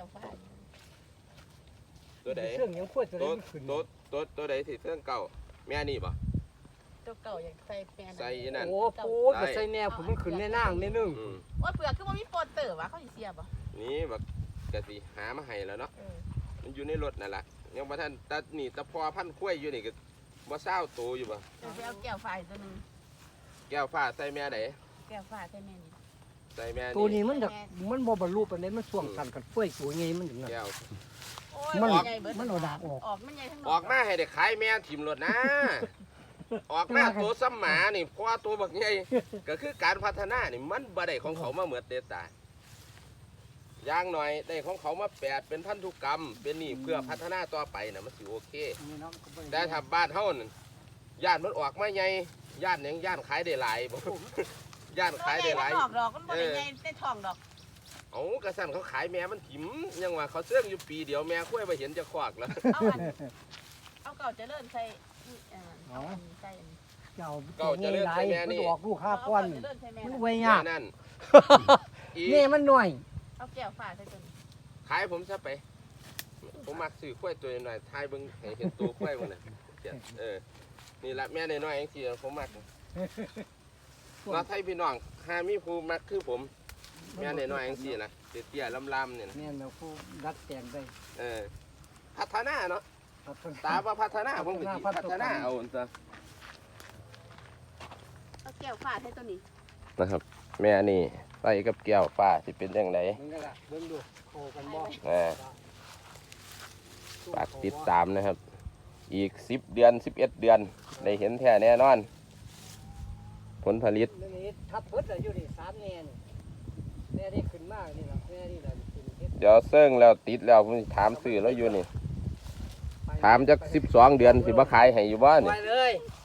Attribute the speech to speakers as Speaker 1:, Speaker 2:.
Speaker 1: ก้วฟ้า
Speaker 2: ตัวใด
Speaker 3: เครื่องยังขวดตัวนี้ขึ้น
Speaker 2: ตัวใดสิเครื่องเก่าแม่นี่บ่
Speaker 1: ตัวเก่าอย่างใส่แปน
Speaker 2: ใส่นั่น
Speaker 3: โอ้โหก็ใส่แนวผมมันขึ้นในนางนิดนึง
Speaker 1: ว่าเปลือกคือว่ามีโปรเตอร์วะเขาสิเสียบ่
Speaker 2: นี่บักกะสิหามาให้แล้วเนาะมันอยู่ในรถนั่นแหละยังบ่ทันตะนี่ตะพอพันคุ้ยอยู่นี่ก็บ่เศร้าโตอยู่บ่
Speaker 1: จะไปเอาแก้วฟ้าตัวนึง
Speaker 2: แก้วฟ้าใส่แม่ใด
Speaker 1: แก้วฟ้าใส่แม่นี่
Speaker 2: ใส่แม่
Speaker 3: ตัวนี้มันบ่บรรลุปานใดมันช่วงสั่นกันเฟ้ยตัวใหญ่มันถึงนั้น
Speaker 2: แก้ว
Speaker 3: มันเอาดาบออก
Speaker 1: ออกมันใหญ่ทั้งหมด
Speaker 2: ออกมาให้ได้ขายแม่ถิ่มรถนะ ออกมาตัวซ้ำหมานี่เพราะว่าตัวบักใหญ่ก็คือการพัฒนานี่มันบ่ได้ของเขามาเหมือนเดตาอย่างหน่อยได้ของเขามา8เป็นพันธุกรรมเป็นนี่เพื่อพัฒนาต่อไปน่ะมันสิโอเคแต่ถ้าบ้านเฮานั่นย่านมันออกมาใหญ่ย่านหยังย่านขายได้หลายบ่ย่านขายได้หลาย
Speaker 1: ดอกมันบ่ได้ใหญ่ได้ทองดอก
Speaker 2: เอากระสันเขาขายแม่มันถิ่มยังว่าเขาเสื่องอยู่ปีเดียวแม่คุ้ยไปเห็นจะควักแล้ว
Speaker 1: เอาเก่าจะเลิ่นใส่ใส่
Speaker 3: เก่าจะเลื่อนใส่แม่นี่มันออกลูก5ก้อนมันไว้ยาก
Speaker 2: นั่น
Speaker 3: นี่มันหน่อย
Speaker 1: เอาแก้วฟ้าใส่ตัวนี้
Speaker 2: ขายผมซะไปผมมักซื้อคุ้ยตัวหน่อยทายเบิ่งให้เห็นตัวคุ้ยมันน่ะนี่ละแม่น้อยๆจังซี่ผมมักเราไทยพี่น้องหามีผู้มักคือผมแม่น้อยๆจังซี่นะเตี้ยๆลำๆเนี่ยนะ
Speaker 3: แม่นผู้ดัดแต่งได้
Speaker 2: พัฒนาเนาะตาว่าพัฒนาผมก็สิพัฒนาเอาซะ
Speaker 1: เอาแก้วฟ้าใส่ตัวนี้
Speaker 2: นะครับแม่นี่ใส่กับแก้วฟ้าสิเป็นจังได๋
Speaker 3: เบิ่งดูโคกันบ่
Speaker 2: ฝากติดตามนะครับอีก10 เดือน 11 เดือนได้เห็นแท้แน่นอนผลผลิต
Speaker 3: ทับเบิดอยู่นี่3แน่นี่แม่ได้ขึ้นมากนี่ล่ะแม่นี่ล่ะ
Speaker 2: เดี๋ยวเซิ่งแล้วติดแล้วผมถามซื้อแล้วอยู่นี่ถามจัก12 เดือนสิบ่ขายให้อยู่บ่นี่
Speaker 3: ไปเลย